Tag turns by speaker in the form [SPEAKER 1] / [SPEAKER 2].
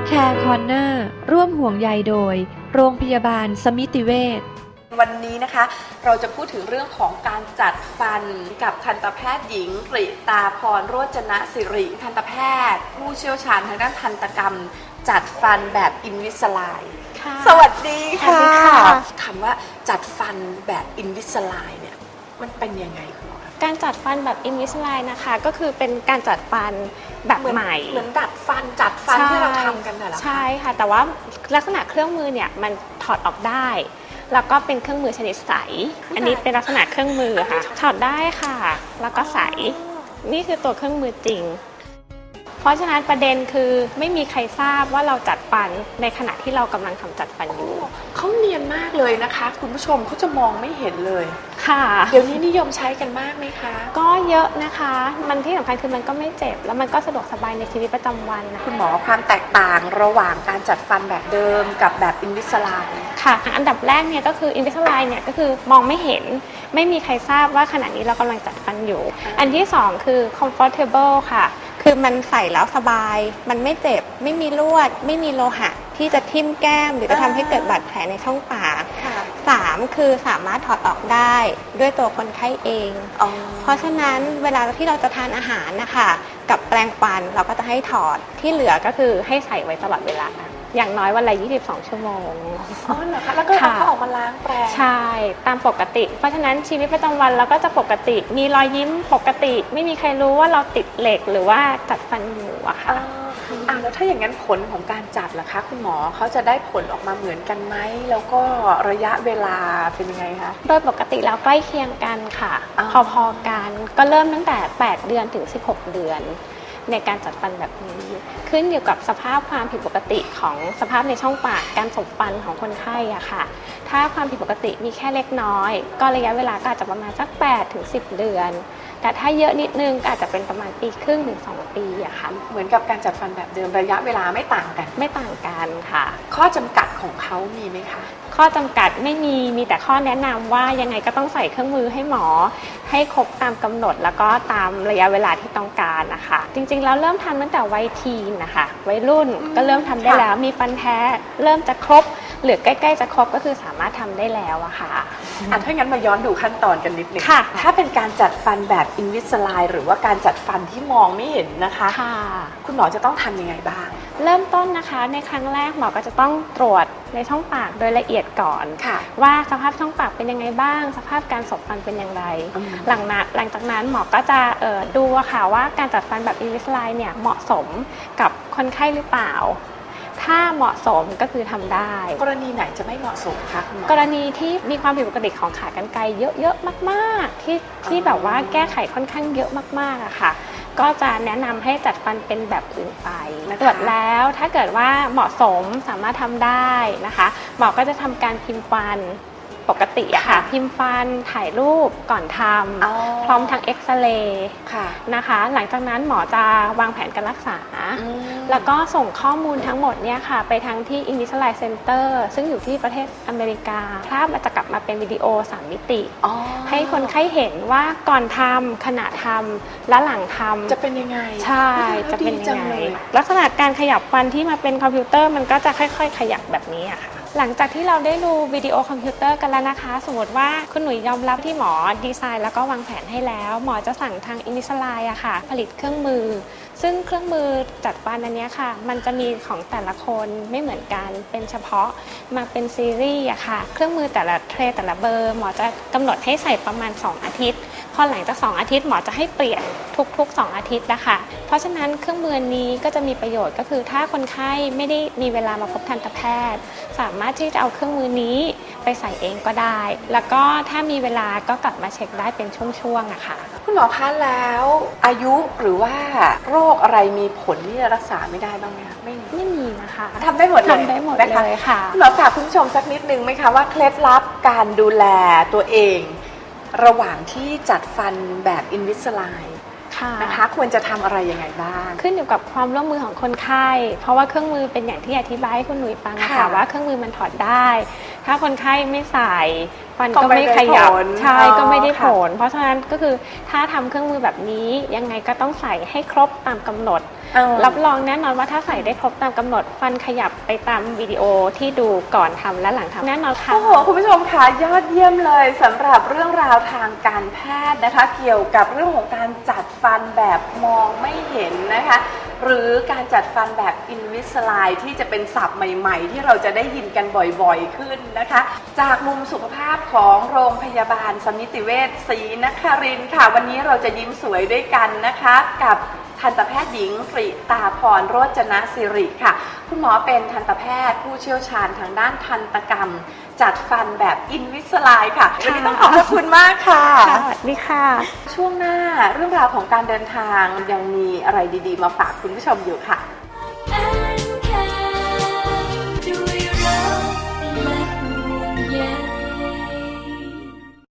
[SPEAKER 1] Care Corner ร่วมห่วงใยโดยโรงพยาบาลสมิติเวช
[SPEAKER 2] วันนี้นะคะเราจะพูดถึงเรื่องของการจัดฟันกับทันตแพทย์หญิงกฤตาพรโรจนสิริทันตแพทย์ผู้เชี่ยวชาญทางด้านทันตกรรมจัดฟันแบบอินวิสไลน์สวัสดีค่ะคำว่าจัดฟันแบบอินวิสไลน์เนี่ยมันเป็นยังไงคุณหมอ
[SPEAKER 3] การจัดฟันแบบอินวิสไลน์นะคะก็คือเป็นการจัดฟันแบบใหม่
[SPEAKER 2] เหมือนดัดฟันจัดฟันที่เราทำกันน่ะเหรอคะ
[SPEAKER 3] ใช่ค่ะแต่ว่าลักษณะเครื่องมือเนี่ยมันถอดออกได้แล้วก็เป็นเครื่องมือชนิดใสอันนี้เป็นลักษณะเครื่องมือค่ะถอดได้ค่ะแล้วก็ใสนี่คือตัวเครื่องมือจริงเพราะฉะนั้นประเด็นคือไม่มีใครทราบว่าเราจัดฟันในขณะที่เรากำลังทำจัดฟันอยู่
[SPEAKER 2] เขาเนียนมากเลยนะคะคุณผู้ชมเขาจะมองไม่เห็นเลย
[SPEAKER 3] ค่ะ
[SPEAKER 2] เดี๋ยวนี้นิยมใช้กันมากไหมคะ
[SPEAKER 3] ก็เยอะนะคะมันที่สำคัญคือมันก็ไม่เจ็บแล้วมันก็สะดวกสบายในชีวิตประจำวันนะ
[SPEAKER 2] คุณหมอความแตกต่างระหว่างการจัดฟันแบบเดิมกับแบบอินวิสไลน์
[SPEAKER 3] ค่ะอันดับแรกเนี่ยก็คืออินวิสไลน์เนี่ยก็คือมองไม่เห็นไม่มีใครทราบว่าขณะนี้เรากำลังจัดฟันอยู่อันที่สองคือ comfortable ค่ะคือมันใส่แล้วสบายมันไม่เจ็บไม่มีลวดไม่มีโลหะที่จะทิ่มแก้มหรือจะทำให้เกิดบาดแผลในช่องปากสามคือสามารถถอดออกได้ด้วยตัวคนไข้เองเพราะฉะนั้นเวลาที่เราจะทานอาหารนะคะกับแปรงฟันเราก็จะให้ถอดที่เหลือก็คือให้ใส่ไว้ตลอดเวลาอย่างน้อยวันละ22 ชั่วโมง
[SPEAKER 2] อ๋อเหรอคะแล้วก็เอาเขาออกมาล้างแปรง
[SPEAKER 3] ใช่ตามปกติเพราะฉะนั้นชีวิตประจำวันเราก็จะปกติมีรอยยิ้มปกติไม่มีใครรู้ว่าเราติดเหล็กหรือว่าจัดฟันอยู่อะค่ะ
[SPEAKER 2] แล้วถ้าอย่างนั้นผลของการจัดล่ะคะคุณหมอเขาจะได้ผลออกมาเหมือนกันไหมแล้วก็ระยะเวลาเป็นยังไงคะ
[SPEAKER 3] โดยปกติแล้วใกล้เคียงกันค่ะพอๆกันก็เริ่มตั้งแต่8 เดือนถึง16 เดือนในการจัดฟันแบบนี้ขึ้นอยู่กับสภาพความผิดปกติของสภาพในช่องปากการสบฟันของคนไข้อะค่ะถ้าความผิดปกติมีแค่เล็กน้อยก็ระยะเวลาก็อาจจะประมาณสัก8 ถึง 10 เดือนแต่ถ้าเยอะนิดนึงก็อาจจะเป็นประมาณ1 ปีครึ่งถึง2 ปีอะค่ะ
[SPEAKER 2] เหมือนกับการจัดฟันแบบเดิมระยะเวลาไม่ต่างกัน
[SPEAKER 3] ค่ะ
[SPEAKER 2] ข้อจำกัดของเขามีไหมคะ
[SPEAKER 3] ข้อจำกัดไม่มีแต่ข้อแนะนำว่ายังไงก็ต้องใส่เครื่องมือให้หมอให้ครบตามกำหนดแล้วก็ตามระยะเวลาที่ต้องการนะคะจริงๆแล้วเริ่มทำตั้งแต่วัยทีนนะคะวัยรุ่นก็เริ่มทำได้แล้วมีฟันแท้เริ่มจะครบหรือใกล้ๆจะครบก็คือสามารถทำได้แล้วอะค่ะ
[SPEAKER 2] ถ้างั้นมาย้อนดูขั้นตอนกันนิดนึงถ้าเป็นการจัดฟันแบบอินวิสไลน์หรือว่าการจัดฟันที่มองไม่เห็นนะคะคุณหมอจะต้องทำยังไงบ้าง
[SPEAKER 3] เริ่มต้นนะคะในครั้งแรกหมอก็จะต้องตรวจในช่องปากโดยละเอียดก่อนว่าสภาพช่องปากเป็นยังไงบ้างสภาพการสบฟันเป็นอย่างไรหลังจากนั้นหมอก็จะดูค่ะว่าการจัดฟันแบบอินวิสไลน์เนี่ยเหมาะสมกับคนไข้หรือเปล่าถ้าเหมาะสมก็คือทำได้
[SPEAKER 2] กรณีไหนจะไม่เหมาะสมคะคุณหมอก
[SPEAKER 3] รณีที่มีความผิดปกติของขากรรไกรเยอะๆมากๆที่แบบว่าแก้ไขค่อนข้างเยอะมากๆอะค่ะก็จะแนะนำให้จัดฟันเป็นแบบอื่นไปตรวจแล้วถ้าเกิดว่าเหมาะสมสามารถทำได้นะคะหมอก็จะทำการพิมพ์ฟันปกติอะค่ะพิมพ์ฟันถ่ายรูปก่อนทำพร้อมทั้งเอ็กซเรย์นะคะหลังจากนั้นหมอจะวางแผนการรักษาแล้วก็ส่งข้อมูลทั้งหมดเนี่ยค่ะไปทั้งที่ Invisalign Center ซึ่งอยู่ที่ประเทศอเมริกาภาพมันจะกลับมาเป็นวิดีโอ3 มิติให้คนไข้เห็นว่าก่อนทำขณะทำและหลังทำ
[SPEAKER 2] จะเป็นยังไง
[SPEAKER 3] ใช่จะเป็นยังไงลักษณะการขยับฟันที่มาเป็นคอมพิวเตอร์มันก็จะค่อยๆขยับแบบนี้อะค่ะหลังจากที่เราได้ดูวิดีโอคอมพิวเตอร์กันแล้วนะคะสมมติว่าคุณหนุ่ยยอมรับที่หมอดีไซน์แล้วก็วางแผนให้แล้วหมอจะสั่งทางอินวิสไลน์อะค่ะผลิตเครื่องมือซึ่งเครื่องมือจัดฟันอันนี้ค่ะมันจะมีของแต่ละคนไม่เหมือนกันเป็นเฉพาะมาเป็นซีรีส์อะค่ะเครื่องมือแต่ละเทรแต่ละเบอร์หมอจะกำหนดให้ใส่ประมาณ2 อาทิตย์พอหลังจาก2 อาทิตย์หมอจะให้เปลี่ยนทุก2 อาทิตย์นะคะเพราะฉะนั้นเครื่องมือนี้ก็จะมีประโยชน์ก็คือถ้าคนไข้ไม่ได้มีเวลามาพบทันตแพทย์สามารถที่จะเอาเครื่องมือนี้ไปใส่เองก็ได้แล้วก็ถ้ามีเวลาก็กลับมาเช็คได้เป็นช่วงๆอะค่ะ
[SPEAKER 2] คุณหมอคะแล้วอายุหรือว่าโรคอะไรมีผลที่จะรักษาไม่ได้บ้างไหมคะ
[SPEAKER 3] ไม่มีนะคะ
[SPEAKER 2] ทำได้หมดเลย
[SPEAKER 3] ค่ะ
[SPEAKER 2] คุณหมอฝากคุณผู้ชมสักนิดนึงไหมคะว่าเคล็ดลับการดูแลตัวเองระหว่างที่จัดฟันแบบอินวิสไลน์นะคะควรจะทำอะไรยังไงบ้าง
[SPEAKER 3] ขึ้นอยู่กับความร่วมมือของคนไข้เพราะว่าเครื่องมือเป็นอย่างที่อธิบายให้คุณหนุ่ยฟังค่ะว่าเครื่องมือมันถอดได้ถ้าคนไข้ไม่ใส่ฟันก็ไม่ขยับใช่ก็ไม่ได้ผลเพราะฉะนั้นก็คือถ้าทำเครื่องมือแบบนี้ยังไงก็ต้องใส่ให้ครบตามกำหนดรับรองแน่นอนว่าถ้าใส่ได้ครบตามกำหนดฟันขยับไปตามวิดีโอที่ดูก่อนทำและหลังทำแน่นอนค่ะ
[SPEAKER 2] โอ้โหคุณผู้ชมค่ะยอดเยี่ยมเลยสำหรับเรื่องราวทางการแพทย์นะคะเกี่ยวกับเรื่องของการจัดฟันแบบมองไม่เห็นนะคะหรือการจัดฟันแบบอินวิสไลน์ที่จะเป็นศัพท์ใหม่ๆที่เราจะได้ยินกันบ่อยๆขึ้นนะคะจากมุมสุขภาพของโรงพยาบาลสมิติเวชศรีนครินทร์ค่ะวันนี้เราจะยิ้มสวยด้วยกันนะคะกับทันตแพทย์หญิงกฤตาพรโรจนศิริค่ะคุณหมอเป็นทันตแพทย์ผู้เชี่ยวชาญทางด้านทันตกรรมจัดฟันแบบอินวิสไลน์ค่ะวันนี้ต้องขอบคุณมากค่ะ
[SPEAKER 3] สวัสดีค่ะ
[SPEAKER 2] ช่วงหน้าเรื่องราวของการเดินทางยังมีอะไรดีๆมาฝากคุณผู้ชมอยู่ค่ะ